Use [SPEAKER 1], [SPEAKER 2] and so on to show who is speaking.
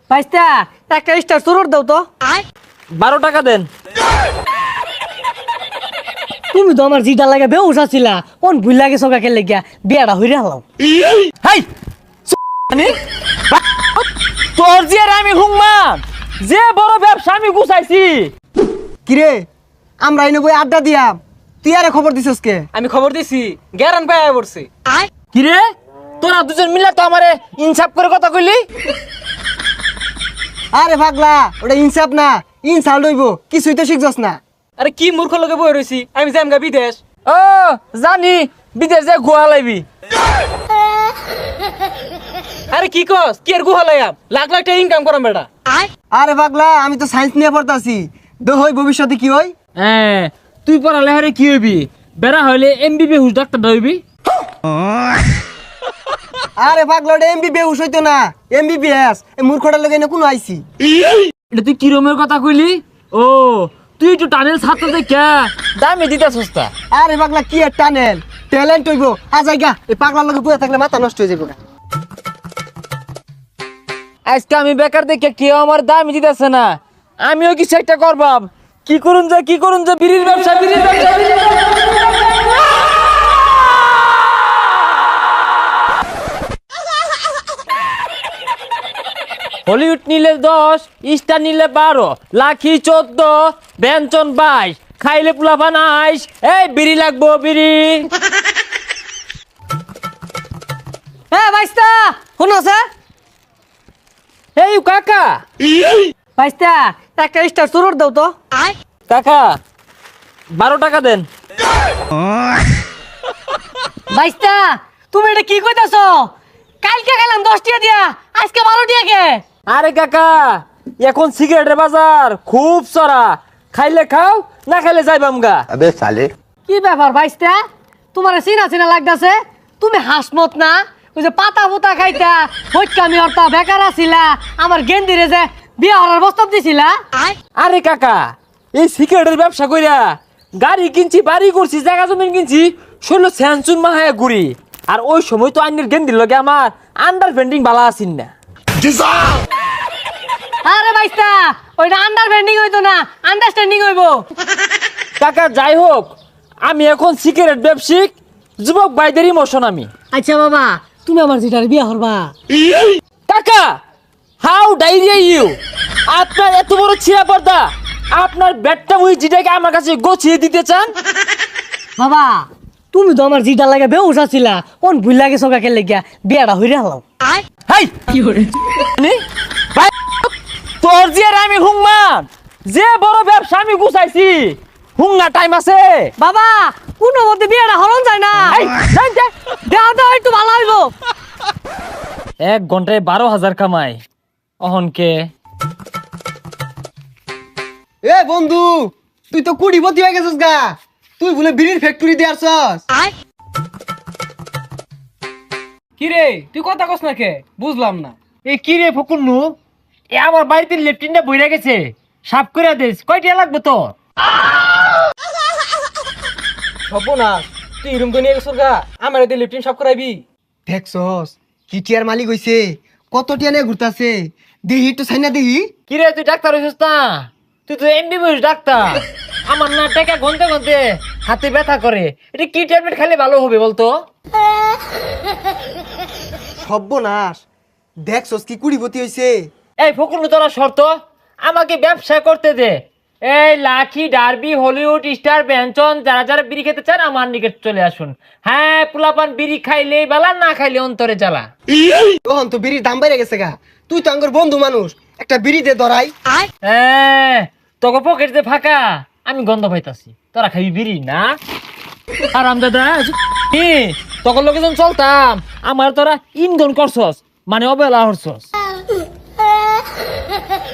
[SPEAKER 1] ভাইস্তা একটা স্টার সুরট দাও তো।
[SPEAKER 2] 12 টাকা দেন।
[SPEAKER 1] তুমি তো আমার জিটা লাগে বেউস আছিলা, কোন ভুল লাগে সকা খেলে গিয়া বিয়াটা হইরে হালাও।
[SPEAKER 2] হাই তোর যে আমি হুংমান যে বড় ব্যবসা আমি গুছাইছি।
[SPEAKER 3] কিরে আমরা এনে বই আড্ডা দিয়াম, তুই আরে খবর দিছস কে?
[SPEAKER 4] আমি খবর দিছি গ্যারান পায় পড়ছে।
[SPEAKER 2] কিরে তোরা দুজন মিলে তো আমারে ইনসাফ করে কথা কইলি।
[SPEAKER 3] আরে পাগলা, ওটা ইনসাফ না, ইনসাল্ট হইব, কিছুই তো শিখছস না।
[SPEAKER 4] আরে কি মূর্খ লোকে বই রইছি, আমি যাম গা বিদেশ।
[SPEAKER 2] ও জানি বিদেশ যে গোয়া লাইবি।
[SPEAKER 4] আরে কি কস কি আর গুহা লাইয়াম, লাখ লাখ টাকা ইনকাম করাম বেটা।
[SPEAKER 3] আরে পাগলা, আমি তো সায়েন্স নিয়ে পড়তাছি, দো হই ভবিষ্যতে কি হই?
[SPEAKER 2] হ্যাঁ তুই পড়ালে হারে কি হইবি? বেড়া হইলে এমবিবিএস হুস ডাক্তার হইবি।
[SPEAKER 3] আরে পাগলা, ওটা এমবিবিএস হইতো না, এমবিবিএস। এই মূর্খটার লগে এনে কোনো আইছি।
[SPEAKER 2] এটা তুই কিরমের কথা কইলি? ও তুই একটু টানেল ছাত্র দেখা দামে দিতে সস্তা।
[SPEAKER 3] আরে পাগলা, কি আর টানেল, ট্যালেন্ট হইব। আজাইগা এই পাগলার লগে বইয়া থাকলে মাথা নষ্ট হয়ে যাবে না।
[SPEAKER 2] আজকে আমি বেকার দেখে কেউ আমার দামই দিতেছে না, আমিও কিছু একটা করবাম। কি করুন যে বিড়ির ব্যবসা। হলিউড নিলে 10, স্টার নিলে 12, লাখি 14, ব্যঞ্জন 22, খাইলে পোলাপান 22। এই বিড়ি লাগবো বিড়ি।
[SPEAKER 1] হ্যাঁ ভাইস্তা শুনছে?
[SPEAKER 2] এই কাকা
[SPEAKER 1] ভাইস্তা একটা স্টার সুরট দাও তো।
[SPEAKER 2] কাকা 12 টাকা দেন।
[SPEAKER 1] ভাইস্তা তুমি এটা কি কইতাছ? কালকে খেলাম 10 টাকা দিয়া, আজকে 12 টাকা কে?
[SPEAKER 2] আরে কাকা এখন সিগারেটের বাজার খুব চড়া, খাইলে খাও না খাইলে যাইবাম গা।
[SPEAKER 5] अबे साले
[SPEAKER 1] কি ব্যাপার ভাইস্তা, তোমার চিনা চিনা লাগতাছে? তুমি হাসমত না, ওই যে পাতা পুতা খাইতা হইকামি হরতা বেকার আছিলা, আমার গেন্দিরে যে বিয়া হরার প্রস্তাব দিছিলা।
[SPEAKER 2] আরে কাকা এই সিগারেটের ব্যবসা কইরা গাড়ি কিনছি, বাড়ি করছি, জায়গা জমিন কিনছি, শৈল স্যানচুন মাহায় ঘুরি। আর ওই সময় তো আইনের গেন্দির লগে আমার আন্ডারস্ট্যান্ডিং বালা আছিন না।
[SPEAKER 1] আরে ভাইস্তা ওইটা আন্ডারস্ট্যান্ডিং হইতো না, আন্ডারস্ট্যান্ডিং হইবো।
[SPEAKER 2] কাকা যাই হোক, আমি এখন সিগারেট ব্যবসায়িক যুবক ভাইদের ইমোশন আমি।
[SPEAKER 1] আচ্ছা বাবা, তুমি আমার যেটার বিয়া হরবা।
[SPEAKER 2] কাকা হাউ ডাইরিয়া ইউ, আপনার এত বড় ছিঁড়া পর্দা, আপনার ব্যাটটা ওই জিটাকে আমার কাছে গোছিয়ে দিতে চান?
[SPEAKER 1] বাবা তুমি তো আমার জিটা লাগে বেউস আছিলা, কোন ভুল লাগে সকা খেলে গিয়া বিয়াটা হইরে হালাও।
[SPEAKER 2] হাই কি করে ভাই তোর যে আমি হুংমান যে বড় ব্যবসা আমি গুছাইছি, হুংনা টাইম আছে?
[SPEAKER 1] বাবা কোনো মতে বিয়াটা হরণ যায় না,
[SPEAKER 2] এই, যাই, যাই।
[SPEAKER 1] দেওয়া দেওয়া একটু ভালো হইবো।
[SPEAKER 2] 1 ঘন্টায় 12,000 কামাই অহনকে।
[SPEAKER 3] এ বন্ধু, তুই তো কুড়িপতি হয়ে গেছিস গা, তুই বলে বিড়ির ফ্যাক্টরি দিয়ে আসছস।
[SPEAKER 4] কি রে তুই কথা কস না কে, বুঝলাম না।
[SPEAKER 2] এই কি রে ফকুন্নু, এ আমার বাড়িতে লেফটিনটা বইরা গেছে, সাফ করে দিস। কয়টা লাগবে তো?
[SPEAKER 4] হবো না, তুই রুম করে নিয়ে গেছিস গা, আমার এতে লিফটিন সব করাইবি।
[SPEAKER 3] দেখছস কি টিয়ার মালিক হইছে, কত টিয়া নিয়ে ঘুরতাছে, দেহি তো সাইনা দেহি।
[SPEAKER 2] কি রে তুই ডাক্তার হইছিস না? তুই তো এমবিবিএস ডাক্তার। আমার না টাকা গনতে গনতে হাতে ব্যথা করে, এটা কি ট্যাবলেট খেলে ভালো হবে বলতো?
[SPEAKER 3] সর্বনাশ, দেখছস কি কুড়িপতি হইছে।
[SPEAKER 2] এই ফকুন্নু তোরা শর্ত আমাকে ব্যবসা করতে দে। এই লাখি, ডার্বি, হলিউড, স্টার, ব্যঞ্জন যারা যারা বিড়ি খেতে চান আমার নিকট চলে আসুন। হ্যাঁ পোলাপান বিড়ি খাইলেই বালা, না খাইলে অন্তরে জ্বালা।
[SPEAKER 3] তখন তো বিড়ির দাম বাইরে গেছে গা, তুই তো আঙ্গর বন্ধু মানুষ, একটা বিড়ি দে ধরাই।
[SPEAKER 2] হ্যাঁ তোকে পকেট যে ফাঁকা, আমি গন্ধ পাইতাছি। তোরা খাবি বিড়ি না? আরাম দাদা তখন লোকে যখন চলতাম আমার তোরা ইন্ধন করছস, মানে অবহেলা হরছস।